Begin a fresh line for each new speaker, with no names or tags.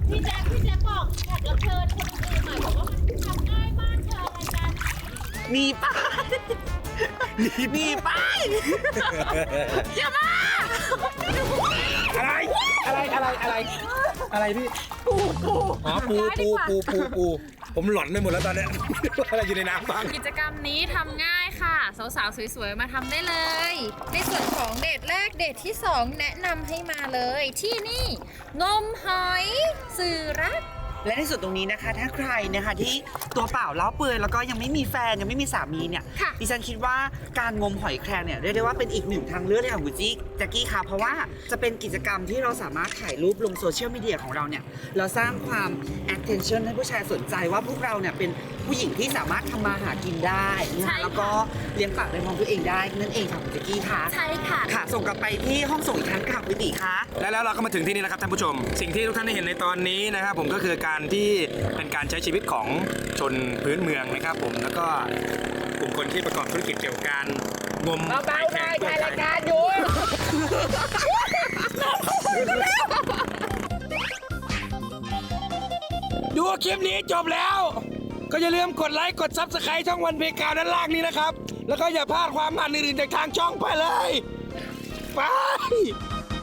พี่แจ๊คบอกแขกรับเชิญคนอื่นหน่อยบอกว่ามันทำง่ายบ้านเธออะไรกัน
มีป้ายมีป้ายอย่ามา
อะไรพี่ปูอ๋อปูผมหลอนไปหมดแล้วตอนนี้ อะไรอยู่ในน้ำบ้าง
กิจกรรมนี้ทำง่ายค่ะสาวๆสวยๆมาทำได้เลยในส่วนของเดทแรกเดทที่2แนะนำให้มาเลยที่นี่งมหอยสื่อรัก
และในส่วนตรงนี้นะคะถ้าใครนะคะที่ตัวเปล่าเล้าเปื่อยแล้วก็ยังไม่มีแฟนยังไม่มีสามีเนี่ยดิฉันคิดว่าการงมหอยแครงเนี่ยเรียกได้ว่าเป็นอีกหนึ่งทางเลือกให้กับคุณจิ๊กแจ็คกี้ค่ะเพราะว่าจะเป็นกิจกรรมที่เราสามารถถ่ายรูปลงโซเชียลมีเดียของเราเนี่ยเราสร้างความ attention ให้ผู้ชายสนใจว่าพวกเราเนี่ยเป็นผู้หญิงที่สามารถทำมาหากินได้นะคะแล้วก็เลี้ยงปากเลี้ยงท้องตัวเองได้นั่นเองค่ะคุณแจ็คกี้ค่ะ
ใช่ค่ะ
ค่ะส่งกลับไปที่ห้องส่งอีกครั้งค่ะคุณติ๋ค่ะ
แล้วเราก็มาถึงที่นี่แล้วครับท่านผู้ชมสิ่งที่ทุกท่านได้เห็นในตอนนี้นะครับผมก็คือการที่เป็นการใช้ชีวิตของชนพื้นเมืองนะครับผมแล้วก็กลุ่มคนที่ประกอบธุรกิจเกี่ยวกับการงมหอยแครงถ่ายรายการอยู่ดูคลิปนี้จบแล้วก็อย่าลืมกดไลค์กดซับสไครต์ช่องวันเพกาวด้านล่างนี้นะครับแล้วก็อย่าพลาดความมันอื่นๆจากทางช่องไปเลยไป